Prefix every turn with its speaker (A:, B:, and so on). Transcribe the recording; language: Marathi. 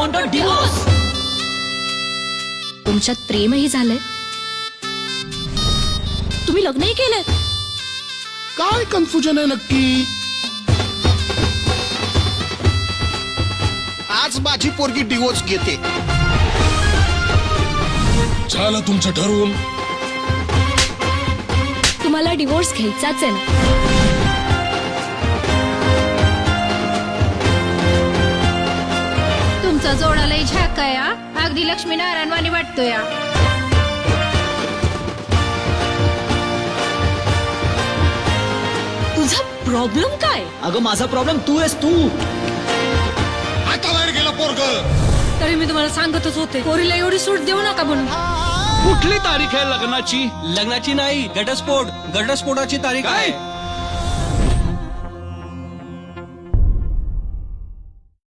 A: Want a divorce.
B: तुमच्यात प्रेमही झालंय, तुम्ही लग्नही केलंय.
C: काय कन्फ्युजन आहे नक्की?
D: आज माझी पोरगी डिवोर्स घेते.
C: झालं तुमचं ठरवून.
B: तुम्हाला डिवोर्स घ्यायचाच आहे ना?
E: तुमचा जोडालाही झाका या, अगदी लक्ष्मीनारायण वाणी वाटतो या.
B: तुझा प्रॉब्लेम काय?
A: अगं माझा प्रॉब्लेम तू आहेस तू.
C: आता बाहेर गेलं पोरग.
E: तरी मी तुम्हाला सांगतच होते, पोरीला एवढी सूट देऊ नका म्हणून.
F: कुठली तारीख आहे लग्नाची?
A: लग्नाची नाही, घटस्फोटाची तारीख आहे.